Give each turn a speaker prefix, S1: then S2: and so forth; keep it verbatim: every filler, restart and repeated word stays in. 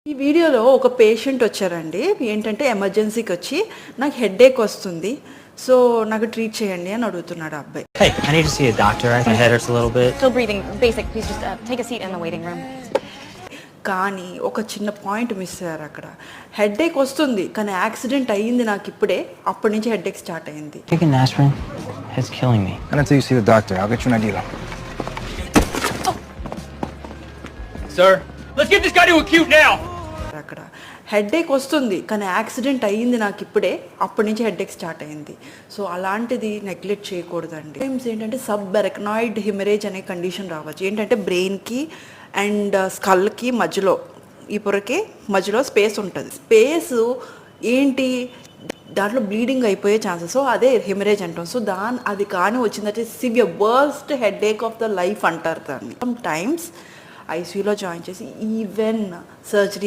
S1: ఈ వీడియోలో ఒక పేషెంట్ వచ్చారండి. ఏంటంటే ఎమర్జెన్సీకి వచ్చి నాకు హెడేక్ వస్తుంది, సో నాకు ట్రీట్ చేయండి అని అడుగుతున్నాడు ఆ అబ్బాయి.
S2: Hey, I need to see a doctor. My head hurts a little bit.
S3: Still breathing, basic. Please just uh, take a seat in the waiting room.
S1: కానీ ఒక చిన్న పాయింట్ మిస్ అయ్యారు అక్కడ. హెడేక్ వస్తుంది కానీ యాక్సిడెంట్ అయ్యింది నాకు ఇప్పుడే, అప్పటి నుంచి హెడేక్ స్టార్ట్ అయింది.
S2: Taking aspirin, it's killing me.
S4: Not until you see the doctor. I'll get you an idea.
S5: Sir, let's get this guy to acute now.
S1: అక్కడ హెడేక్ వస్తుంది కానీ యాక్సిడెంట్ అయ్యింది నాకు ఇప్పుడే, అప్పటి నుంచి హెడేక్ స్టార్ట్ అయింది. సో అలాంటిది నెగ్లెక్ట్ చేయకూడదండి. టైమ్స్ ఏంటంటే సబ్ ఎరక్నాయిడ్ హిమరేజ్ అనే కండిషన్ రావచ్చు. ఏంటంటే బ్రెయిన్కి అండ్ స్కల్కి మధ్యలో, ఈ పొరకి మధ్యలో స్పేస్ ఉంటుంది. స్పేస్ ఏంటి, దాంట్లో బ్లీడింగ్ అయిపోయే ఛాన్సెస్, సో అదే హెమరేజ్ అంటాం. సో దాని అది కానీ వచ్చిందంటే severe worst headache of the life అంటారు దాన్ని. సమ్ టైమ్స్ ఐసీయూలో జాయిన్ చేసి ఈవెన్ సర్జరీ